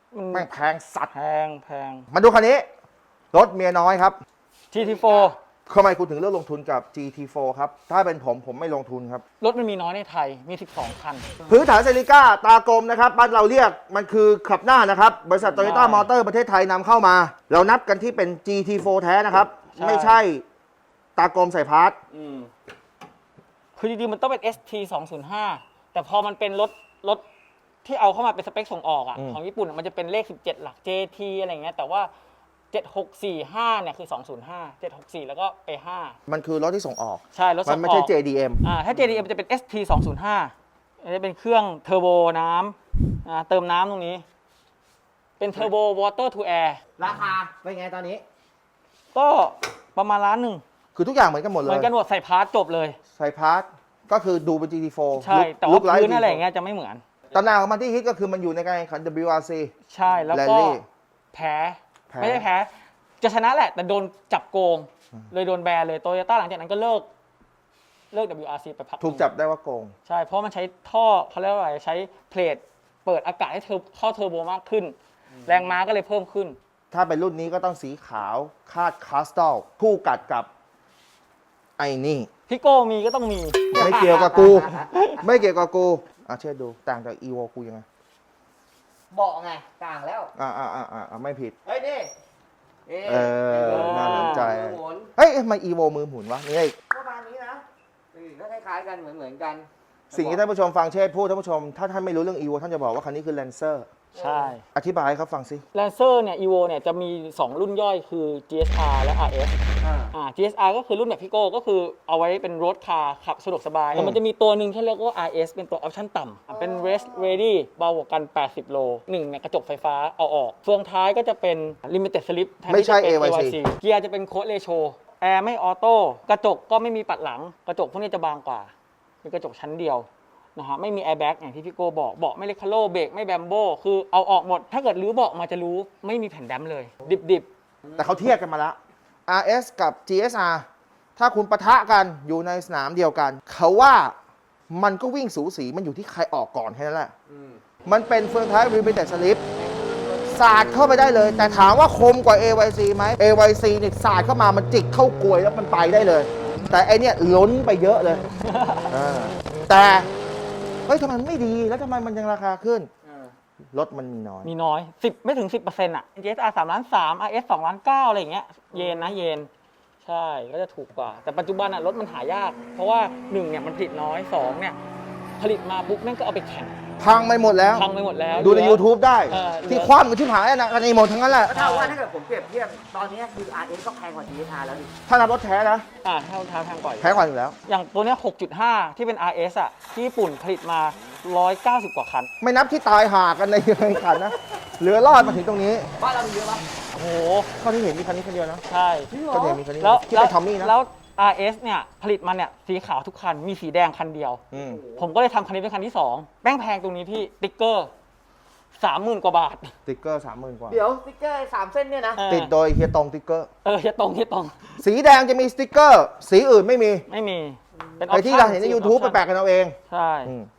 S3: มัน
S2: แม่งแพงสัตว์
S3: แพงแพง
S2: มาดูคันนี้ รถเมียน้อยครับ
S3: จี ที โฟร์
S2: ทำไมคุณถึงเลือกลงทุนกับ จี ที โฟร์ ครับ ถ้าเป็นผมผมไม่ลงทุนครับ
S3: รถมันมีน้อยในไทยมีสิบสองคัน
S2: พื้นฐานเซริก้าตากลมนะครับบ้านเราเรียกมันคือขับหน้านะครับ บริษัทโตโยต้ามอเตอร์ประเทศไทยนำเข้ามา เรานับกันที่เป็น จี ที โฟร์ แท้นะครับ
S3: ใช่
S2: ไม่ใช่ตากลมใส่พาร์ท
S3: อืมคือจริงๆมันต้องเป็น เอส ที สองศูนย์ห้า แต่พอมันเป็นรถรถที่เอาเข้ามาเป็นสเปคส่งออกอ่ะของญี่ปุ่นอะมันจะเป็นเลขสิบเจ็ดหลัก เจ ที อะไรอย่างเงี้ยแต่ว่าเจ็ดหกสี่ห้าเนี่ยคือสองศูนย์ห้า เจ็ดหกสี่แล้วก็ไปห้า
S2: มันคือรถที่ส่งออก
S3: ใช่รถ
S2: มั
S3: ส่
S2: น
S3: ง
S2: ไม่
S3: อ
S2: ใช่
S3: อก
S2: เจ ดี เอ็ม
S3: อ่าถ้า เจ ดี เอ็ม จะเป็น เอส ที สองศูนย์ห้าอันนี้เป็นเครื่องเทอร์โบน้ำอ่าเติมน้ำตรงนี้ เป็นเทอร์โบวอเตอร์ทูแอร์
S1: ราคาเป็นไงตอนนี้
S3: ก็ประมาณล้านหนึ่ง
S2: คือทุกอย่างเหมือนกันหมดเล
S3: เหมื
S2: ย
S3: อนกันหมดใส่พาร์ทจบเลย
S2: ใส่พาร์ทก็คือดูเป็น จี ที โฟร์
S3: ใช่ แต่ว่าพื้นอะไรอย่างเงี้ยจะไม่เหมือน
S2: ตำนานของมันที่ฮิตก็คือมันอยู่ในการแข่งขัน ดับเบิลยู อาร์ ซี
S3: ใช่แล้วก็
S2: Rally
S3: แพ้
S2: แพ้
S3: ไม่ได้แพ้ จะชนะแหละ แต่โดนจับโกง เลยโดนแบนเลยโตโยต้าหลังจากนั้นก็เลิก เลิก ดับเบิลยู อาร์ ซี ไปพักหนึ่ง
S2: ถูกจับได้ว่าโกง
S3: ใช่ เพราะมันใช้ท่อเขาเรียกว่าอะไรใช้เพลทเปิดอากาศให้เธอเข้าเทอร์โบมากขึ้น แรงม้าก็เลยเพิ่มขึ้น
S2: ถ้าเป็นรุ่นนี้ก็ต้องสีขาวคาดคาสตัลคู่กัดกับไอ้นี่
S3: พี่โก้มีก็ต้องมี
S2: ไม่เกี่ยวกับกู ไม่เกี่ยวกับกูอ่ะเชื่อดูต่างจากอีโวกูยังไง
S1: เบาะไงต่างแล้ว
S2: อ่าอ่าอ่าอ่าไม่ผิด
S1: เฮ้ยนี่นี่
S2: เออน่าสนใจ
S1: มือหมุน
S2: เฮ้ยทำไมอีโวมือหมุนวะนี่ไอ้
S1: ประมาณนี้นะอืมก็คล้ายๆกันเหมือนเหมือนๆกัน
S2: สิ่งที่ท่านผู้ชมฟังเชษฐ์พูดท่านผู้ชม ถ้าท่านไม่รู้เรื่องอีโวท่านจะบอกว่าคันนี้คือแลนเซอร์
S3: ใช่
S2: อธิบายให้เขาฟังสิ
S3: แลนเซอร์เนี่ย อี โว เนี่ยจะมี สอง รุ่นย่อยคือ จี เอส อาร์ และ อาร์ เอส
S1: อ่า
S3: อ่า จี เอส อาร์ ก็คือรุ่นแบบพี่โก้ก็คือเอาไว้เป็นรถคาร์ขับสะดวกสบาย
S2: อืม
S3: แล้วมันจะมีตัวหนึ่งที่เรียกว่า อาร์ เอส เป็นตัวออปชั่นต่ำเป็น Race Ready เบากว่ากัน แปดสิบ โลหนึ่งเนี่ยกระจกไฟฟ้าเอาออก เฟืองท้ายก็จะเป็น Limited Slip แทน
S2: ไม่
S3: ที่
S2: ใช่
S3: จะเป็น
S2: เอ วาย ซี
S3: เกียร์จะเป็นโค้ดเรโชแอร์ไม่ออโต้กระจกก็ไม่มีปัดหลัง กระจกพวกนี้จะบางกว่าเป็นกระจกชั้นเดียวนะฮะไม่มีแอร์แบ็กอย่างที่พี่โก้บอกเบาะไม่เลคาโลเบรกไม่แบมโบคือเอาออกหมด ถ้าเกิดรื้อเบาะมาจะรู้ไม่มีแผ่นแดมเลย ดิบ
S2: แต่เขาเทียบกันมาแล้ว อาร์ เอส กับ จี เอส อาร์ ถ้าคุณปะทะกันอยู่ในสนามเดียวกัน เขาว่ามันก็วิ่งสูสีมันอยู่ที่ใครออกก่อนแค่นั้นแหละ
S1: อืม
S2: มันเป็นเฟืองท้าย Limited Slip สาดเข้าไปได้เลย แต่ถามว่าคมกว่า เอ วาย ซี ไหม เอ วาย ซี เนี่ยสาดเข้ามามันจิกเข้ากลวยแล้วมันไปได้เลย แต่ไอเนี่ยล้นไปเยอะเลยอ่าแต่เฮ้ยทำไมมันไม่ดีแล้วทำไมมันยังราคาขึ้น รถมันมีน้อย
S3: ๆ มีน้อยสิบไม่ถึง สิบเปอร์เซ็นต์ อ่ะ จี เอส อาร์ สามล้านสาม อาร์ เอส สองล้านเก้าอะไรอย่างเงี้ยเยนนะเยนใช่ก็จะถูกกว่า แต่ปัจจุบันอ่ะรถมันหายาก เพราะว่าหนึ่งเนี่ยมันผลิตน้อยสองเนี่ยผลิตมาปุ๊บแม่งก็เอาไปแข่ง
S2: พังไปหมดแล้ว
S3: พังไปหมดแล้ว
S2: ดูใน
S3: เหลือ
S2: YouTube ได้
S3: เออเหลือ
S2: ที่คว่ำกับที่หายนะกันในหมดทั้งนั้นแหละ
S1: ก็เท่าว่าถ้าเกิดผมเปรียบเทียบตอนนี้คือ อาร์ เอส ก็แพงกว่า จี เอส อาร์ แล้วดิ
S2: ถ้านับรถแท้นะ
S3: อ่าเท่าเท่าแพงกว่าอยู่
S2: แพ้กว่าอยู่แล้ว
S3: อย่างตัวเนี้ยหกจุดห้า ที่เป็น อาร์ เอส อ่ะ ที่ญี่ปุ่นผลิตมา หนึ่งร้อยเก้าสิบ กว่าคัน
S2: ไม่นับที่ตายหากันในแข่งขันนะ เหลือรอดมาถึงตรงนี้
S1: บ้านเรามีเยอะปะ
S3: โอ้โห
S2: เท่าที่เห็นมีคันนี้คันเดียวนะ
S3: ใช่
S2: ก็เห็นมีคันนี้
S3: แล้ว
S2: ที่เป็นทอมมี่นะ
S3: แล้ว อาร์ เอส เนี่ย ผลิตมาเนี่ย สีขาวทุกคัน มีสีแดงคันเดียว
S2: อืม
S3: ผมก็เลยทำคันนี้เป็นคันที่สองแป้งแพงตรงนี้พี่ ติ๊กเกอร์สามหมื่นกว่าบาท
S2: สติ๊กเกอร์สามหมื่นกว่า
S1: เดี๋ยวสติ๊กเกอร์สามเส้นเนี่ยนะ
S3: เออ
S2: ติดโดยเฮียตรงสติ๊กเกอร์
S3: เออจะตรงที่ตรง
S2: สีแดงจะมีสติ๊กเกอร์ สีอื่นไม่มี
S3: ไม่มี เป็น
S2: ไอที่เราเห็นใน YouTube ไปแปลกกันเอาเอง
S3: ใช่
S2: อืม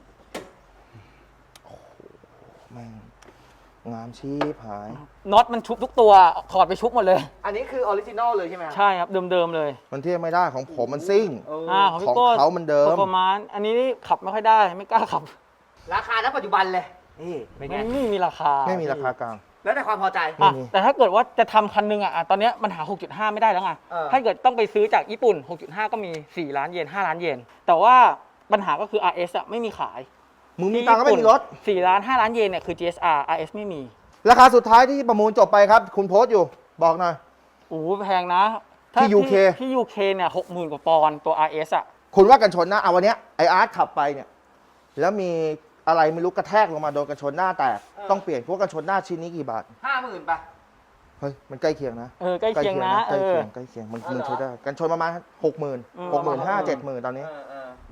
S2: โอ้โหแม่งงามชีพหาย
S3: น็อตมันชุบทุกตัว ถอดไปชุบหมดเลย
S1: อันนี้คือออริจินอลเลยใช่ไหมครับ
S3: ใช่ครับ เดิมๆเลย
S2: มันเทียบไม่ได้ของผมมันซิ่ง
S1: เออ
S3: อ่าของ
S2: ข
S3: พี่
S2: อง
S3: โก้
S2: เขามันเดิม
S3: ประมาณอันนี้ขับไม่ค่อยได้ไม่กล้าขับ
S1: ราคาณปัจจุบันเลย นี่เป็นไง
S3: มันไม่มีราคา
S2: ไม่มีราคากลาง
S1: แล้วแต่ความพอใจ
S3: อ่ะ
S2: ไม่มี
S3: แต่ถ้าเกิดว่าจะทำคันหนึงอ่ะอ่ะตอนเนี้ยมันหา หกจุดห้า ไม่ได้แล้วไง
S1: เออ
S3: ถ้าเกิดต้องไปซื้อจากญี่ปุ่น หกจุดห้า ก็มี สี่ ล้านเยน ห้า ล้านเยน แต่ว่าปัญหาก็คือ อาร์ เอส อ่ะไม่มีขาย
S2: มึงมีตังค์ก็ไม่มีรถ
S3: สี่ ล้าน ห้า ล้านเยนเนี่ยคือ จี เอส อาร์ อาร์ เอส ไม่มี
S2: ราคาสุดท้ายที่ประมูลจบไปครับ คุณโพสต์อยู่ บอกหน่อย
S3: โอ้โหแพงนะถ้า
S2: ที่ ยู เค
S3: ที่ ยู เค เนี่ย หกหมื่น กว่าปอนด์ตัว อาร์ เอส อ่ะ
S2: คุณว่ากันชนหน้าเอาวันเนี้ยไออาร์ตขับไปเนี่ย แล้วมีอะไรไม่รู้กระแทกลงมาโดนกันชนหน้าแตก
S1: เออ
S2: ต้องเปลี่ยนพวกกันชนหน้าชิ้นนี้กี่บาท
S1: ห้าหมื่นป่ะ
S2: เฮ้ย มันใกล้เคียงนะ
S3: เออใกล้เคียงนะ
S2: ใก
S3: เอ
S2: ล้เคี
S3: อ
S2: ยงใกล้เคียงมัน
S1: อ๋อ
S2: มัน
S1: เหรอ
S2: ใช้ได้กันชนประมาณหกหมื่น
S3: อืม
S2: หกหมื่นห้าเจ็ดหมื่นตอนนี้
S1: เออเออ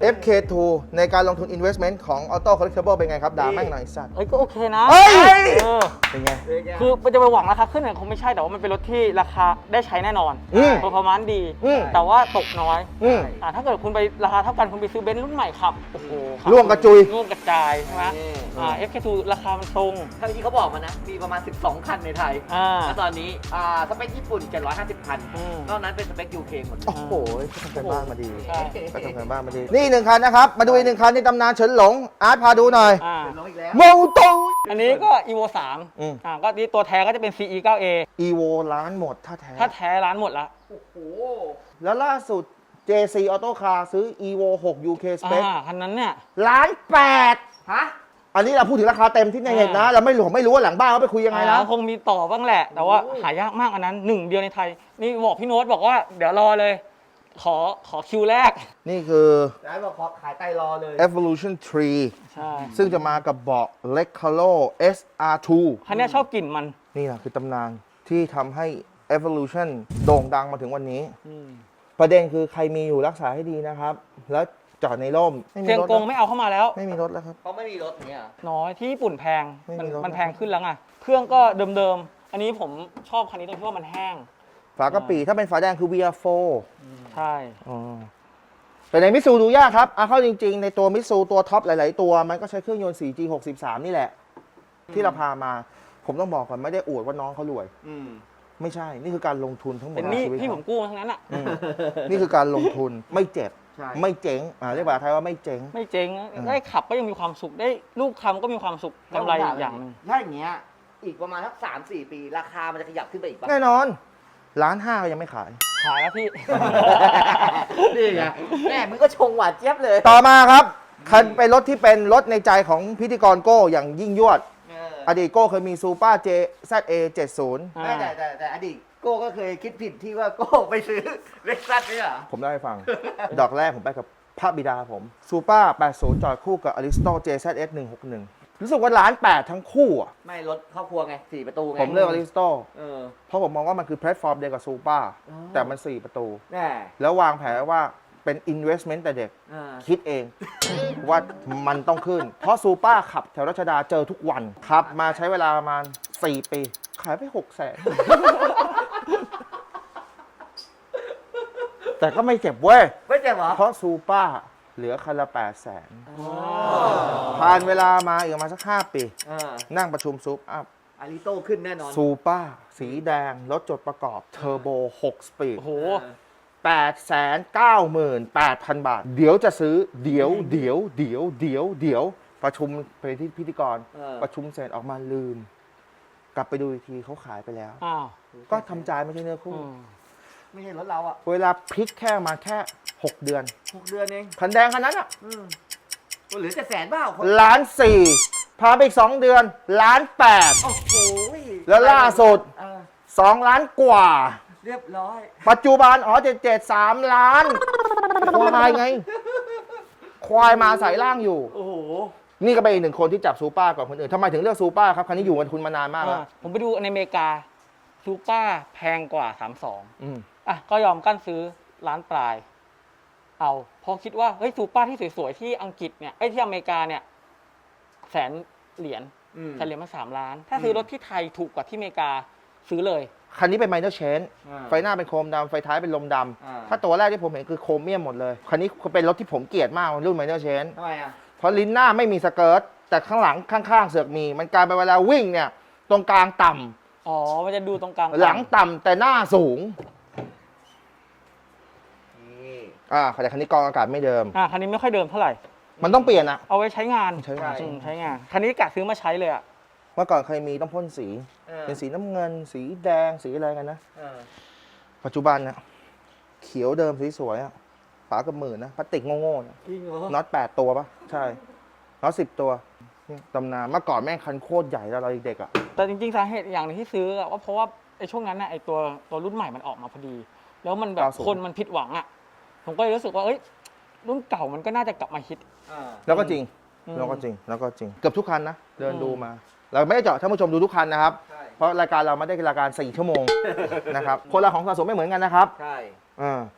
S2: เอฟ เค ทู ในการลงทุน investment ของ Auto Collectible เป็นไงครับด่าแม่งหน่อยสัตว์
S3: เอ้ยก็โอเคนะ
S2: เฮ้ย
S3: เออ
S2: เป็นไง
S3: คือมันจะไปหวังราคาขึ้นเนี่ยคงไม่ใช่แต่ว่ามันเป็นรถที่ราคาได้ใช้แน่นอน
S2: อืม
S3: เปอร์ฟอร์แมนซ์ดี
S2: อืม
S3: แต่ว่าตกน้อย
S2: อืม
S3: อ่าถ้าเกิดคุณไปราคาเท่ากันคุณไปซื้อเบนซ์รุ่นใหม่ขับโอ้โหขับ
S2: ร่วงกระจุย
S3: ร่วงกระจายใช่ไหมอ่า เอฟ เค ทู ราคามันตรง
S1: ทั้งที่เขาบอกมานะ มีประมาณ สิบสอง คันในไทย
S3: อ่า
S1: แล้วตอนนี้อ่าสเปคญี่ปุ่น เจ็ดร้อยห้าสิบ คัน
S3: อืม
S1: นอกนั้นเป็นสเปค ยู เค หมดเลย
S2: โอ้โหเขาทำกันบ้านมาดี
S3: ใช่
S2: เขาทำกันบ้านมาดี นี่หนึ่งคันนะครับ มาดูอีกหนึ่งคันในตำนานเฉินหลง อาร์ตพาดูหน่อย
S3: อ่า
S1: เป็นน้องอีกแล้ว
S2: โมโต
S3: อันนี้ก็ อี โว สาม
S2: อืม
S3: อ่าก็นี่ตัวแท้ก็จะเป็น ซี อี เก้า เอ
S2: อีโวล้านหมดถ้าแท้
S3: ถ้าแท้ร้านหมดละ
S1: โอ้โห
S2: แล้วล่าสุด เจ ซี Auto Car ซื้อ Evo หก ยู เค Spec
S3: อ่าคันนั้นเนี่ย
S2: ล้านแปด
S1: ฮะ
S2: อันนี้เราพูดถึงราคาเต็มที่ในเน็ตนะ เราไม่รู้ผมไม่รู้ว่าหลังบ้านเขาไปคุยยังไงนะ
S3: อ่าคงมีต่อบ้างแหละ แต่ว่า
S1: โอ้
S3: หายากมากอันนั้นหนึ่งเดียวในไทย นี่บอกพี่โน้ตบอกว่าเดี๋ยวรอเลย ขอขอคิวแรก
S2: นี่คือ
S1: ร้านบอกขอขายไตรอเลย
S2: Evolution ทรี
S3: ใช่
S2: ซึ่งจะมากับเบาะ Recaro เอส อาร์ ทู
S3: คันเนี้ยชอบกลิ่นมัน
S2: นี่แหละคือตำนานที่ทำให้ Evolution โด่งดังมาถึงวันนี้ ประเด็นคือใครมีอยู่รักษาให้ดีนะครับ แล้วจอดในร่มไม่มี
S3: เซียง
S2: รถ
S3: กงไม่เอาเข้ามาแล้ว
S2: ไม่มีรถแล้วครับ
S1: เขาไม่มีรถเนี่ย
S3: น้อยที่ญี่ปุ่นแพง
S2: ไม่มี
S3: มัน
S2: รถ
S3: มันแพงขึ้นแล้วไงเครื่องก็เดิมๆ อันนี้ผมชอบคันนี้ตรงที่ว่ามันแห้ง
S2: ฝากระปีถ้าเป็นฝาแดงคือ วี อาร์ โฟร์
S3: ใช่
S2: อ๋อแต่ในมิตซูดูยากครับเอาเข้าจริงๆ ในตัวมิตซูตัวท็อปหลาย ๆ ตัว มันก็ใช้เครื่องยนต์ โฟร์จี หกสิบสาม นี่แหละ ที่เราพามา ผมต้องบอกก่อนไม่ได้อวดว่าน้องเขารวย
S1: อืม
S2: ไม่ใช่ นี่คือการลงทุนทั้งหมด
S3: เป็น
S2: ใน
S3: หนี่
S2: ชีวิต
S3: พี่ผ
S2: เขา
S3: มกู้มาทั้งนั้นอ่ะ
S2: อืมนี่คือการลงทุนไม่เจ็บ
S1: ใช่
S2: ไม่เจ๊งอ่าเรียกว่าไทยว่าไม่เจ๊ง
S3: ไม่เจ๊ง
S2: อืม
S3: ได้ขับก็ยังมีความสุขได้ลูกทำก็มีความสุขกำไรอีกอย่างหนึ่ง
S1: ถ้าอย่างเงี้ย อีกประมาณสักสามสี่ปี ราคามันจะขยับขึ้นไปอีกปะ
S2: แน่นอนล้านห้าก็ยังไม่ขาย
S3: ขายแล้วพี่
S1: นี่ไงแม่มึงก็ชงหวานเจี๊ยบเลย
S2: ต่อมาครับคันเป็นรถที่เป็นรถในใจของพิธีกรโก้อย่างยิ่งยวด
S1: เออ
S2: อดีตโก้เคยมีซูเปอร์เจ แซด เอ เจ็ดสิบ
S3: อ่า
S1: ไม่แต่แต่แต่อดีตโก้ก็เคยคิดผิดที่ว่าโก้ไปซื้อเล็กซัสเนี่ยเหรอ
S2: ผมเล่าให้ฟัง ดอกแรกผมไปกับพระบิดาผมซูเปอร์แปดสิบ จอดคู่กับอริสโต เจ แซด เอส หนึ่งหกหนึ่ง รู้สึกว่าล้านแปดทั้งคู่อ่ะ
S1: ไม่รถครอบครัวไงสี่ประตูไง
S2: ผมเลือกอริสโต
S1: เออ
S2: เพราะผมมองว่ามันคือแพลตฟอร์มเดียวกับซูเปอร์
S1: อ๋อ
S2: แต่มันสี่ประตู
S1: แน่
S2: แล้ววางแผนว่าเป็น investment แต่เด็ก
S1: เออ
S2: คิดเอง ว่ามันต้องขึ้น เพราะซูเปอร์ขับแถวรัชดาเจอทุกวันขับมาใช้เวลาประมาณสี่ปี ขายไปหกแสน แต่ก็ไม่เจ็บเว้ย
S1: ไม่เจ็บเหรอ
S2: เพราะซูเปอร์เหลือคันละแปดแสนผ่านเวลามาอีกประมาณสักห้าปี
S1: เออ
S2: นั่งประชุมซูปอัพ
S1: อาริโต้ขึ้นแน่นอน
S2: ซูเปอร์สีแดง รถจดประกอบเทอร์โบหกสปีด
S3: โอ้โห
S2: แปดแสนเก้าหมื่นแปดพันบาท เดี๋ยวจะซื้อเดี๋ยวเดี๋ยวเดี๋ยวเดี๋ยวเดี๋ยวประชุมไปที่พิธีกร
S1: เออ
S2: ประชุมเสร็จออกมาลืม กลับไปดูอีกทีเขาขายไปแล้ว
S3: อ้าว
S2: ก็ทำใจไม่ใช่เนื้อคู่
S3: อืม
S1: ไม่ใช่รถเราอ่ะ
S2: เวลาพลิกแค่มาแค่หกเดือน
S1: หกเดือนเอง
S2: คันแดงคันนั้นอ่ะ
S1: อืมเหลือจะแสนเปล่าคน
S2: ล้านสี่พาไปอีกสองเดือน ล้านแปด
S1: โอ้โห
S2: แล้วล่าสุด
S1: เออ
S2: สองล้านกว่า
S1: เรียบร้อย
S2: ปัจจุบันอ๋อเจ็ดเจ็ดสามล้าน ควายไง ควายมาใส่ล่างอยู่
S1: โอ้โห
S2: นี่ก็เป็นอีกหนึ่งคนที่จับซูเปอร์ก่อนคนอื่นทำไมถึงเลือกซูเปอร์ครับ คันนี้อยู่กับคุณมานานมากแล้ว
S3: อ่าผมไปดูในอเมริกาซูเปอร์แพงกว่าสามสอง
S2: อืม
S3: อ่ะก็ยอมกั้นซื้อร้านปลาย เอาเพอคิดว่าเฮ้ยซูเปอร์ที่สวยๆที่อังกฤษเนี่ยไอ้ยที่อเมริกาเนี่ยแสนเหรียญ
S1: อืม
S3: แสนเหรียญมาสามล้าน ถ้าซื้อรถที่ไทยถูกกว่าที่อเมริกาซื้อเลย
S2: คันนี้เป็นไมเนอร์เชน
S1: อ่า
S2: ไฟหน้าเป็นโครมดำไฟท้ายเป็นลมด
S1: อ่า
S2: ำถ้าตัวแรกที่ผมเห็นคือโครเมียมหมดเลย คันนี้เป็นรถที่ผมเกลียดมากรุ่นไมเนอร์เชน
S1: ทำไมอ่ะ
S2: เพราะลิ้นหน้าไม่มีสเกิร์ตแต่ข้างหลังข้างๆเสือกมี มันกลายเป็นเวลาวิ่งเนี่ย ตรงกลางต่ำ
S3: อ๋อ มันจะดูตรงกลาง
S2: หลังต่ำแต่หน้าสูง
S1: นี่
S2: อ่าแต่คันนี้กรองอากาศไม่เดิม
S3: อ่ะคันนี้ไม่ค่อยเดิมเท่าไหร่
S2: มันต้องเปลี่ยนอะ
S3: เอาไว้ใช้งาน
S2: ใช้งาน
S3: อืมใช้งาน คันนี้กะซื้อมาใช้เลยอ่ะ
S2: เมื่อก่อนเคยมีต้องพ่นสี
S1: เออ
S2: เป็นสีน้ำเงิน สีแดงสีอะไรกันนะ
S1: เออ
S2: ปัจจุบันเนี่ยเขียวเดิมสวยๆอะฝากับหมื่นนะพลาสติกโง่ๆเนี่ย
S1: จริงเหรอ
S2: น็อตแปดตัวปะใช่น็อตสิบตัวนี่ตำนานเมื่อก่อนแม่งคันโคตรใหญ่แล้วเราเด็กๆอะ
S3: แต่จริงๆสาเหตุอย่างหนึงที่ซื้ออะว่าเพราะว่าไอ้ช่วงนั้นน่ะไอ้ตัวตัวรุ่นใหม่มันออกมาพอดี แล้วมันแบบ
S2: เก้าสิบ
S3: คนมันผิดหวังอ่ะ ผมก็เลยรู้สึกว่าเอ้ยรุ่นเก่ามันก็น่าจะกลับมาฮิต
S1: อ่า
S2: แล้วก็จริง
S3: อืม
S2: แล้วก็จริงแล้วก็จริงเกือบทุกคันนะเดิน
S3: อืม
S2: ดูมา เราไม่ได้เจาะท่านผู้ชมดูทุกคันนะครับ
S1: ใช่
S2: เพราะรายการเราไม่ได้รายการสี่ชั่วโมง นะครับคนละของสะสมไม่เหมือนกันนะครับ
S1: ใช่
S2: อ่า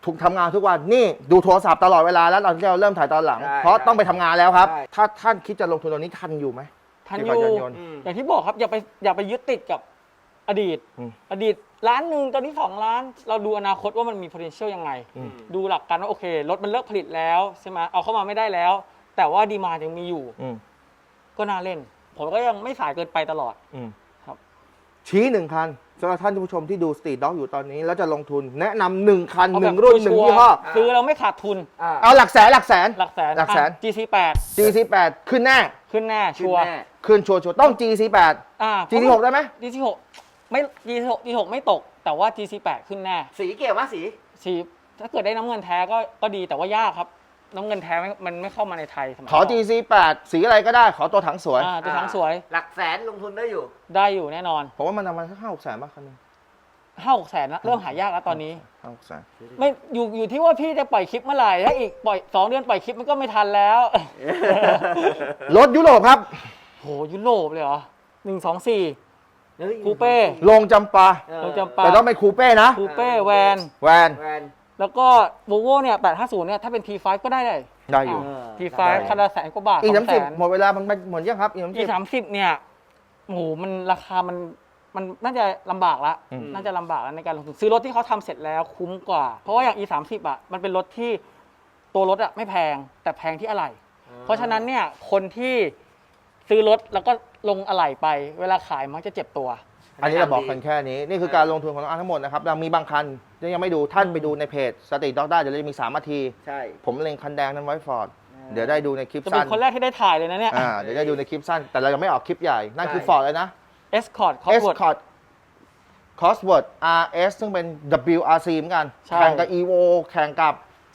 S2: ทุกทำงานทุกวันนี่ดูโทรศัพท์ตลอดเวลาแล้วตอนที่เราเริ่มถ่ายตอนหลัง เพราะต้องไปทำงานแล้วครับ ถ้าท่านคิดจะลงทุนตอนนี้ทันอยู่ไหม
S3: ทันอ
S2: ที่
S3: ยู่
S2: ปัจจุบัน
S3: อย่างที่บอกครับอย่าไปอย่าไปยึดติดกับอดีต
S2: อืม
S3: อดีตล้านหนึ่งตอนนี้สองล้าน เราดูอนาคตว่ามันมี potential ยังไง
S2: อืม
S3: ดูหลักการว่าโอเครถมันเลิกผลิตแล้วใช่ไหมเอาเข้ามาไม่ได้แล้ว แต่ว่าดีมายังมีอยู่
S2: อืม
S3: ก็น่าเล่น ผมก็ยังไม่สายเกินไปตลอด
S2: อืม
S3: ครับ
S2: ชี้หนึ่งคันสำหรับท่านผู้ชมที่ดูสตรีทด็อกอยู่ตอนนี้ แล้วจะลงทุนแนะนำหนึ่งคัน
S3: เอา
S2: ห
S3: แบ
S2: นึ่
S3: บ
S2: งรุ่นหนึ่ง
S3: ชัว
S2: ยี่
S3: ร์
S2: ห้อ
S3: ซื้อเราไม่ขาดทุน
S1: อ่า
S2: เอาหลักแสนหลักแสน
S3: หลักแสน
S2: หลักแสน
S3: อ่ะ จี ซี แปด
S2: จี ซี แปด ขึ้นแน่
S3: ขึ้นแน่
S1: ขึ้
S3: ชั
S1: น
S3: วร์
S1: แน่
S2: ขึ้นชัวร์ๆต้อง จี ซี แปด
S3: อ่า
S2: จี ซี หกได้ไหม
S3: จี ซี หกไม่ จี ซี หก จี ซี หกไม่ตก แต่ว่า จี ซี แปด ขึ้นแน่
S1: สีเกี่ยวมะสี
S3: สีถ้าเกิดได้น้ำเงินแท้ก็ก็ดีแต่ว่ายากครับ น้ำเงินแท้ไม่มันไม่เข้ามาในไทยสมัย
S2: ขอ
S3: ก่น
S2: จี ซี แปด สีอะไรก็ได้ขอตัวถังสวย
S3: อ่าตัวถังสวย
S1: หลักแสนลงทุนได้อยู่
S3: ได้อยู่แน่นอน
S2: ผมว่ามันประมาณสักห้าหกแสนป่ะคันนึง
S3: ห้าหกแสนนะเริ่มหายากแล้วตอนนี้
S2: ห้าหกแสน
S3: ไม่อยู่อยู่ที่ว่าพี่จะปล่อยคลิปเมื่อไหร่ถ้าอีกปล่อยสองเดือนปล่อยคลิปมันก็ไม่ทันแล้ว
S2: รถยุโรปครับ
S3: โหยุโรปเลยเหรอหนึ่งสองสี่
S1: เฮ้ย
S3: คูเป้
S2: ลงจำปา
S1: เออ
S3: เราจำปา
S2: แต่ต้องเป็นคูเป้นะ
S3: คูเป้แวน
S2: แวน
S1: แวน
S3: แล้วก็โวโวเนี่ยแปดห้าศูนย์เนี่ยถ้าเป็น ที ไฟว์ ก็ได้เลย
S2: ได้อยู่
S1: เออ
S3: ที ไฟว์ คันละแสนกว่าบาท
S2: อี
S3: ส
S2: สา
S3: อ
S2: ม
S3: งแส
S2: สิบ
S3: น
S2: หมดเวลามันไปหมดยังครับอีสาม
S3: อี
S2: สิบ
S3: สามสิบเนี่ยโอ้โหมันราคามันมันน่าจะลำบากละ
S2: อืม
S3: น่าจะลำบากแล้วในการลงทุนซื้อรถที่เขาทำเสร็จแล้วคุ้มกว่า เพราะว่าอย่าง อี สามสิบอ่ะมันเป็นรถที่ตัวรถอ่ะไม่แพงแต่แพงที่อะไหล่เพราะฉะนั้นเนี่ยคนที่ซื้อรถแล้วก็ลงอะไหล่ไป เวลาขายมักจะเจ็บตัว
S2: อันนี้เราบอกกันแค่นี้ นี่คือการลงทุนของน้องอาร์ตทั้งหมดนะครับเรามีบางคันที่ยังไม่ดูท่านไปดูในเพจสตรีทด็อกได้เดี๋ยวเราจะมีสามนาที
S1: ใช่
S2: ผมเล็งคันแดงนั้นไว้ฟอร์ดเดี๋ยวได้ดูในคลิป
S3: จะเป็
S2: สั้
S3: น
S2: น
S3: คนแรกที่ได้ถ่ายเลยนะเนี่ย
S2: อ่าเดี๋ยวได้ดูในคลิปสั้น แต่เรายังไม่ออกคลิปใหญ่ นั่นคือฟอร์ดเลยนะ
S3: Escort Cosworth
S2: Escort Cosworth อาร์ เอส ซึ่งเป็น ดับเบิลยู อาร์ ซี เหมือนกัน
S3: ใช่
S2: แข่งกับ Evo แข่งกับ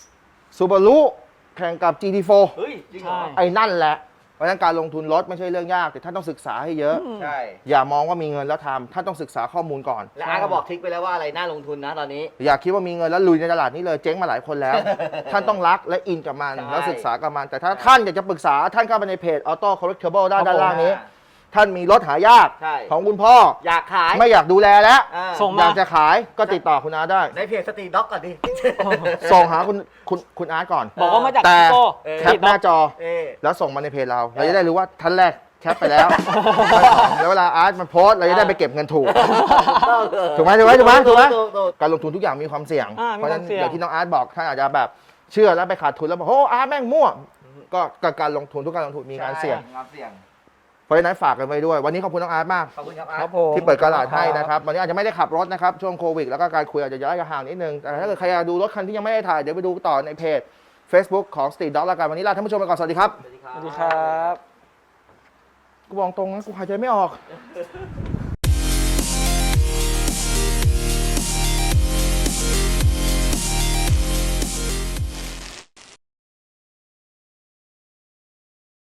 S2: Subaru แข่งกับ จี ที โฟร์
S1: เฮ้ยจริงเหรอ
S3: ใช่
S2: ไอ้นั่นแหละ เพราะฉะนั้นการลงทุนรถไม่ใช่เรื่องยาก แต่ท่านต้องศึกษาให้เยอะ
S1: ใช่
S2: อย่ามองว่ามีเงินแล้วทำท่านต้องศึกษาข้อมูลก่อน
S1: และอาร์ตก็บอกทริกไปแล้วว่าอะไรน่าลงทุนนะตอนนี้
S2: อย่าคิดว่ามีเงินแล้วลุยในตลาดนี้เลยเจ๊งมาหลายคนแล้ว ท่านต้องรักและอินกับมัน
S1: ใช่
S2: แล้วศึกษากับมัน แต่ถ้าท่านอยากจะปรึกษาท่านเข้าไปในเพจ Auto Collectible ด้าน
S3: ครับผม
S2: ด้านล่างนี้ ท่านมีรถหายาก
S1: ใช่
S2: ของคุณพ่อ
S1: อยากขาย
S2: ไม่อยากดูแลแล้ว
S1: อ่า
S3: ส่ง
S2: อยากจะขายก็ติดต่อคุณอาได้
S1: ในเพจสตรีทด็อกก่อนดิ
S2: ส่งหาคุณคุณคุณอาร์ตก่อน
S3: บอกว่ามาจาก
S2: แต่
S3: ชิโก้
S1: เออ
S2: แคปหน้าจอ
S1: เอ๊ะ
S2: แล้วส่งมาในเพจเรา เราจะได้รู้ว่าท่านแรกแคปไปแล้วแล้วเวลาอาร์ตมันโพสต์เราจะได้ไปเก็บเงินถูก ถูกไหมถูกไหมถูกไหมถูกไหม
S1: ถูกถูก
S2: การลงทุนทุกอย่างมีความเสี่ยง
S3: อ่ามี
S2: เพราะฉะนั้น
S3: ความเสี่ยง
S2: อย่างที่น้องอาร์ตบอกท่านอาจจะแบบเชื่อแล้วไปขาดทุนแล้วบอกโอ้อาร์ตแม่งมั่ว ก็ก็การลงทุนทุกการลงทุนมีการเสี่ยง
S1: ใช่ความเสี่ยง
S2: เพราะฉะนั้นฝากกันไว้ด้วย วันนี้ขอบคุณน้องอาร์ตมาก
S1: ขอบคุณครับอาร์ต
S3: ครับผม
S2: ที่เปิดกระดาษให้นะครับ วันนี้อาจจะไม่ได้ขับรถนะครับ ช่วงโควิด แล้วก็การคุยอาจจะย้ายห่างนิดนึง แต่ถ้าเกิดใครอยากดูรถคันที่ยังไม่ได้ถ่าย เดี๋ยวไปดูต่อในเพจ Facebook ของ Street Dog แล้วกัน วันนี้ลาท่านผู้ชมไปก่อน สวัสดีครับ
S1: สวัสดีครั
S3: ส
S1: บ
S3: วัสดีครับ
S2: กูบอกตรงนะกูหายใจไม่ออก